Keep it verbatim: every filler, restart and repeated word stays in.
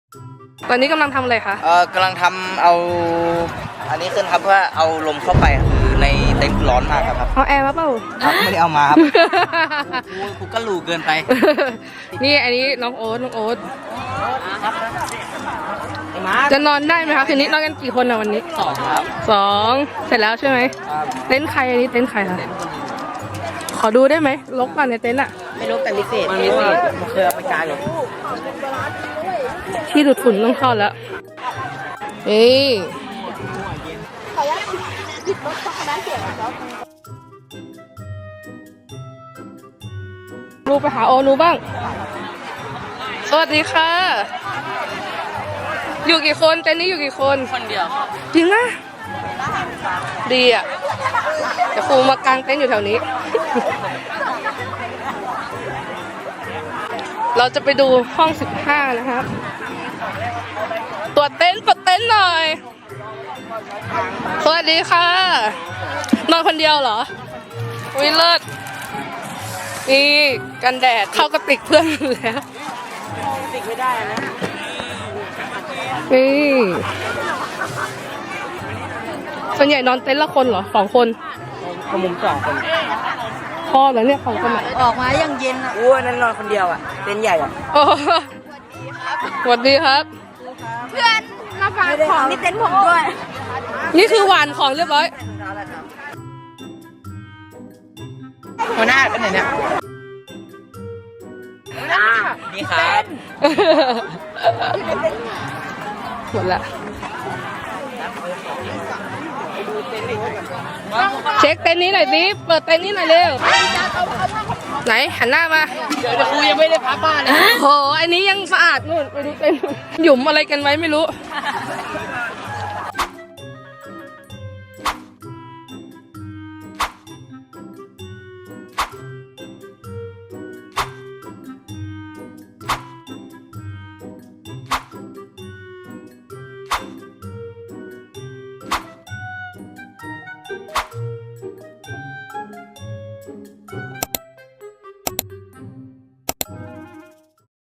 ตอนนี้กำลังทำอะไรคะเออกำลังทำเอาอันนี้ขึ้นครับเพื่อเอาลมเข้าไปคือในเต็นท์ร้อนมากครับเอาแอร์มาเปล่าครับไม่ได้เอามาครับกูกูก็หลูเกินไปนี่อันนี้น้องโอ๊ตน้องโอ๊ตไอ้มาจะนอนได้ไหมคะคืนนี้นอนกันกี่คนอะวันนี้สองครับสองเสร็จแล้วใช่ไหมเต็นท์ใครอันนี้เต็นท์ใครคะขอดูได้ไหมลกป่ะในเต็นท์อะไม่รู้แต่มีเศษมันมีเศษมันเคยเอาไปกางอยู่ที่ดูดฝุ่นต้องเข้าแล้วนี่รูไปหาโอนูบ้าง สวัสดีค่ะ อยู่กี่คนเต็นท์นี้อยู่กี่คนคนเดียวจริงนะดีอ่ะเดี๋ยวครูมากางเต็นท์อยู่แถวนี้ เราจะไปดูห้องสิบห้านะครับตรวจเต็นท์ตรวจเต็นท์หน่อย สวัสดีค่ะ นอนคนเดียวเหรอวิเลิศนี่กันแดดเข้ากระติกเพื่อนแล้วติดไม่ได้นะนี่ส่วนใหญ่นอนเต็นท์ละคนเหรอสองคนขมุมสองคนพอแล้วเนี่ยของคนไหนออกมายังเย็นอ่ะอู้นั่นนอนคนเดียวอ่ะเต็นท์ใหญ่อ่ะโอ้สวัสดีครับเพื่อนมาฝากของที่เต็นท์ผมด้วยนี่คือหวานของเรียบร้อยหัวหน้าเป็นไหนเนี่ยนี่ครับหมดละเช็คเต็นท์นี้หน่อยสิเปิดเต็นท์นี้หน่อยเร็วไหนหันหน้ามาเดี๋ยวครูยังไม่ได้พักบ้านเลยโหอันนี้ยังสะอาดนู่นไปดูเต็นท์หยุมอะไรกันไว้ไม่รู้